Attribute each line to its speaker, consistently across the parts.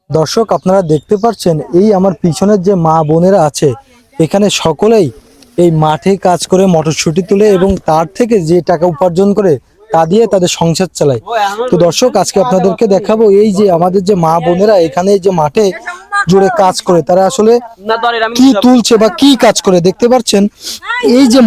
Speaker 1: দর্শক আপনারা দেখতে পাচ্ছেন এই আমার পিছনের যে মা বোনেরা আছে এখানে সকলেই এই মাঠে কাজ করে মটরশুঁটি তুলে এবং তার থেকে যে টাকা উপার্জন করে তা দিয়ে তাদের সংসার চালায়। তো দর্শক আজকে আপনাদেরকে দেখাবো এই যে আমাদের যে মা বোনেরা এখানে যে মাঠে জুড়ে কাজ করে তারা আসলে কি তুলছে বা কি কাজ করে দেখতে পাচ্ছেন। এই যে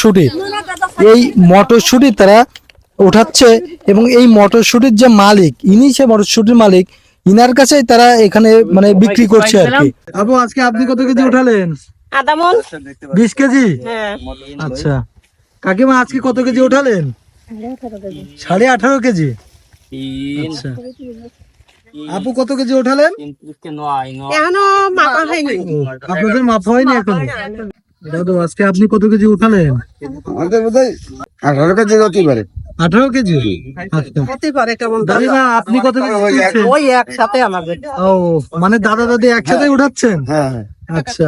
Speaker 1: মটরশুঁটি তারা উঠাচ্ছে এবং এই মটরশুঁটির যে মালিক ইনি সে মটরশুঁটির মালিক, ইনার কাছে তারা এখানে মানে বিক্রি করছে আর কি। আবু আজকে আপনি কত কেজি উঠালেন?
Speaker 2: আধা মণ।
Speaker 1: 20 কেজি।
Speaker 2: হ্যাঁ।
Speaker 1: আচ্ছা কাকিমা আজকে কত কেজি উঠালেন? 18.5 কেজি। আচ্ছা আপু কত কেজি উঠালেন?
Speaker 2: এখনো মাপা হয়নি।
Speaker 1: আপনাদের মাপ হয়নি এখনো? দাদু আজকে আপনি কত কেজি উঠালেন?
Speaker 3: আমাদের বোধহয় 18 কেজি হতে পারে।
Speaker 1: 18 কেজি। আচ্ছা
Speaker 2: হতে পারে কেমন
Speaker 1: দাদিমা আপনি কত কেজি তুলছেন?
Speaker 2: ওই একসাথে আমাদের।
Speaker 1: ও মানে দাদা দাদি একসাথে উঠাচ্ছেন?
Speaker 3: হ্যাঁ হ্যাঁ।
Speaker 1: আচ্ছা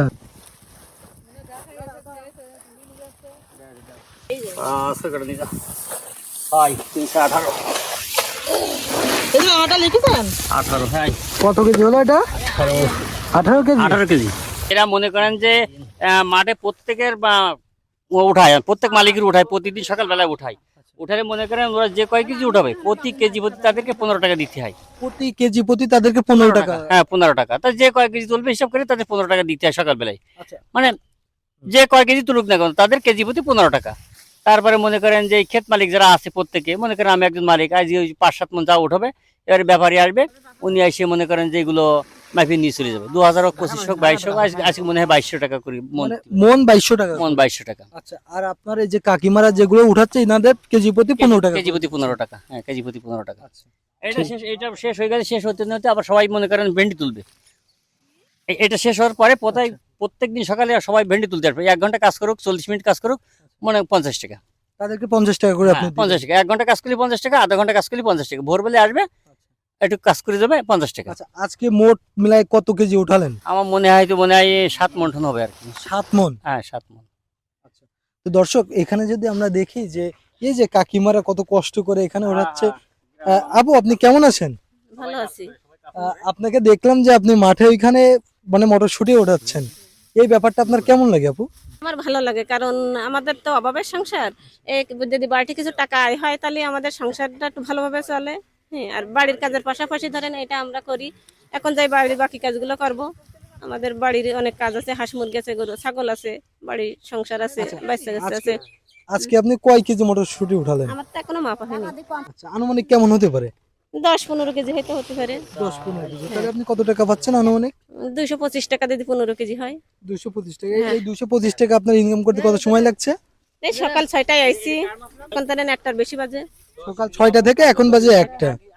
Speaker 1: কত কেজি হলো এটা? 18 কেজি।
Speaker 4: 18 কেজি। এরা মনে করেন যে মাঠে প্রত্যেকের উঠায়, প্রত্যেক মালিকের উঠায়, প্রতিদিন সকালবেলায় উঠায়। উঠালে মনে করেন ওরা যে কয় কেজি উঠাবে প্রতি কেজি প্রতি তাদেরকে 15 টাকা দিতে হয়।
Speaker 1: প্রতি কেজি প্রতি তাদেরকে 15 টাকা?
Speaker 4: হ্যাঁ 15 টাকা। তা যে কয় কেজি তুলবে হিসাব করে তাদের 15 টাকা দিতে হয় সকালবেলায়।
Speaker 1: আচ্ছা।
Speaker 4: মানে যে কয় কেজি তুলুক না কেন তাদের কেজি প্রতি 15 টাকা। তারপরে মনে করেন যে ক্ষেত মালিক যারা আছে প্রত্যেকে মনে করেন আমি একজন মালিক, আজ ওই 5-7 মন যা উঠাবে এবারে ব্যাপারী আসবে, উনি এসে মনে করেন যে এগুলো মাইফি নিয়ে চলে যাবে। 2000 হোক 25 হোক 22 হোক, আজকে মনে হয় 2200 টাকা করি মন।
Speaker 1: মন 2200 টাকা।
Speaker 4: মন 2200 টাকা।
Speaker 1: আচ্ছা আর আপনার এই যে কাকিমারা যেগুলো উঠাচ্ছে ইনাদের কেজি প্রতি 15 টাকা?
Speaker 4: কেজি প্রতি 15 টাকা। হ্যাঁ কেজি প্রতি 15 টাকা।
Speaker 1: আচ্ছা
Speaker 4: এটা শেষ হয়ে গেছে। শেষ হতে না হতে আবার সবাই মনে করেন ভেন্ডি তুলবে। এটা শেষ হওয়ার পরে প্রত্যেকদিন সকালে সবাই ভেন্ডি তুলতে আসবে। 1 ঘন্টা কাজ করুক 40 মিনিট কাজ করুক মনে 50 টাকা।
Speaker 1: তাদেরকে 50 টাকা করে আপনি
Speaker 4: 50 টাকা। 1 ঘন্টা কাজ করলে 50 টাকা, আধা ঘন্টা কাজ করলে 50 টাকা। ভোরবেলা আসবে একটু কাজ করে যাবে 50 টাকা।
Speaker 1: আচ্ছা আজকে মোট মিলাই কত কেজি উঠালেন?
Speaker 4: আমার মনে হয় 7 মন টন হবে আর কি।
Speaker 1: 7 মন।
Speaker 4: হ্যাঁ 7 মন।
Speaker 1: তো দর্শক এখানে যদি আমরা দেখি যে এই যে কাকিমারা কত কষ্ট করে এখানে উঠাচ্ছে। আপু আপনি কেমন আছেন?
Speaker 2: ভালো আছি।
Speaker 1: আপনাকে দেখলাম যে আপনি মাঠে ওইখানে মানে মটরশুঁটি ওঠাচ্ছেন, এই ব্যাপারটা আপনার কেমন লাগে আপু?
Speaker 2: আমার ভালো লাগে কারণ আমাদের তো অভাবের সংসার। যদি বাড়িতে কিছু টাকা আয় হয় তাহলে আমাদের সংসারটা একটু ভালোভাবে চলে। হ্যাঁ আর বাড়ির কাজের পাশাপাশি ধরেন এটা আমরা করি। এখন যাই বাড়ির বাকি কাজগুলো করব। আমাদের বাড়ির অনেক কাজ আছে, হাঁস মুরগি আছে, গরু ছাগল আছে, বাড়ির সংসার আছে, বাচ্চা কাচ্চা আছে।
Speaker 1: আজকে আপনি কয় কেজি মটরশুঁটি উঠালেন?
Speaker 2: আমার তো এখনো মাপা হয়নি।
Speaker 1: আচ্ছা আনুমানিক কেমন হতে পারে?
Speaker 2: 10-15 কেজি হতে পারে।
Speaker 1: 10-15 কেজি। তাহলে আপনি কত টাকা পাচ্ছেন আনুমানিক?
Speaker 2: 225 টাকা যদি 15 কেজি হয়।
Speaker 1: 225 টাকা। এই 225 টাকা আপনার ইনকাম করতে কত সময় লাগছে?
Speaker 2: এই সকাল 6টায় আইছি, এখন তাহলে 1টার বেশি বাজে।
Speaker 1: সকাল 6টা থেকে এখন বাজে 1টা।